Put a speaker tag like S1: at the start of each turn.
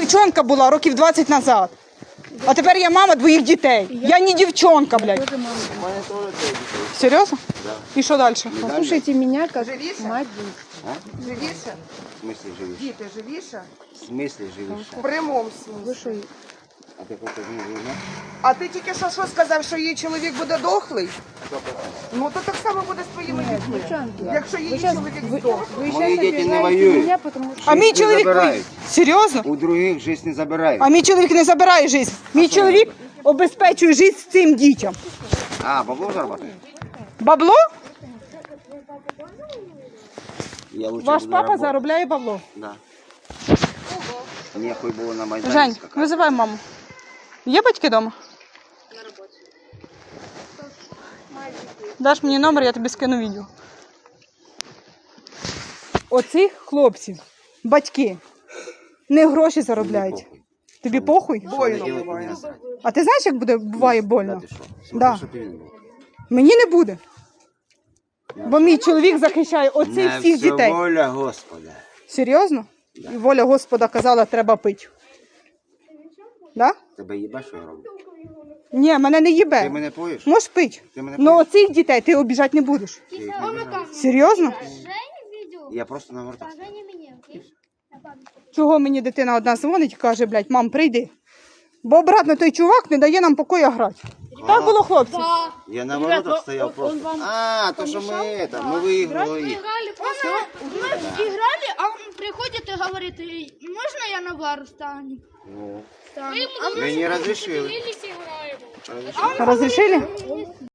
S1: дівчонка була років 20 назад. А тепер я мама двоїх дітей. Я не дівчонка, блядь. Серйозно?
S2: Да.
S1: І що далі?
S3: Послушайте меня как
S4: Живіше?
S3: мать.
S4: Живіше?
S2: В смысле живіше?
S4: Діти, живіше?
S2: В смысле живіше?
S4: В прямому
S3: Вы
S4: смислі.
S3: что,
S2: А ти хочеш не живе?
S4: А ти тільки що сказав, що її чоловік буде дохлий? Ну то так само буде з твоїми дітьми.
S3: девчонки?
S4: Якщо її чоловік здохлий.
S3: Вы
S2: Мои
S3: сейчас
S2: дети не
S3: обижаете
S2: воюют.
S3: меня, потому что...
S1: А мій
S2: Життя
S1: чоловік...
S2: забирають.
S1: Серйозно?
S2: У других жизнь не забирають.
S1: А мій чоловік не забирає життя. Мій чоловік обезпечує життя цим дітям.
S2: А, бабло заробляє?
S1: Бабло?
S2: Я лучше
S1: Ваш
S2: буду
S1: папа
S2: работать.
S1: заробляє бабло.
S2: Да. Нехуй було на Майдані
S1: Жень,
S2: скакати.
S1: визивай маму. Є батьки вдома? На роботі. Даш мені номер, я тобі скину відео. Оцих хлопців, батьки, не гроші заробляють. Тобі похуй?
S4: Больно буває.
S1: А ти знаєш, як буває
S2: Да,
S1: больно?
S2: ти що?
S1: Да.
S2: Що ти він був?
S1: Мені не буде. Бо мій чоловік захищає оцих
S2: Не
S1: всіх
S2: все
S1: дітей.
S2: воля Господа.
S1: Серйозно? І воля Господа казала, треба пити. Да?
S2: Тебе їбе, що я роблю?
S1: Ні, мене не
S2: Ти
S1: їбе.
S2: мене поїш?
S1: Можеш пити.
S2: Ти мене
S1: Но
S2: поїш?
S1: оцих дітей ти обіжати не будеш.
S2: Ти їх не обіжаєш.
S1: Серйозно?
S2: Я просто навертав.
S1: Чого мені дитина одна дзвонить і каже, блядь, мам, прийди. Бо обратно той чувак не дає нам покоя грати. Так було, хлопці?
S2: Я на воротах стояв просто. А, то що ми виіграли їх.
S5: Мы играли, а он приходит и говорит, можно я на бар встану?
S2: Ну,
S5: Стану.
S2: мені розрішили.
S1: Розрішили?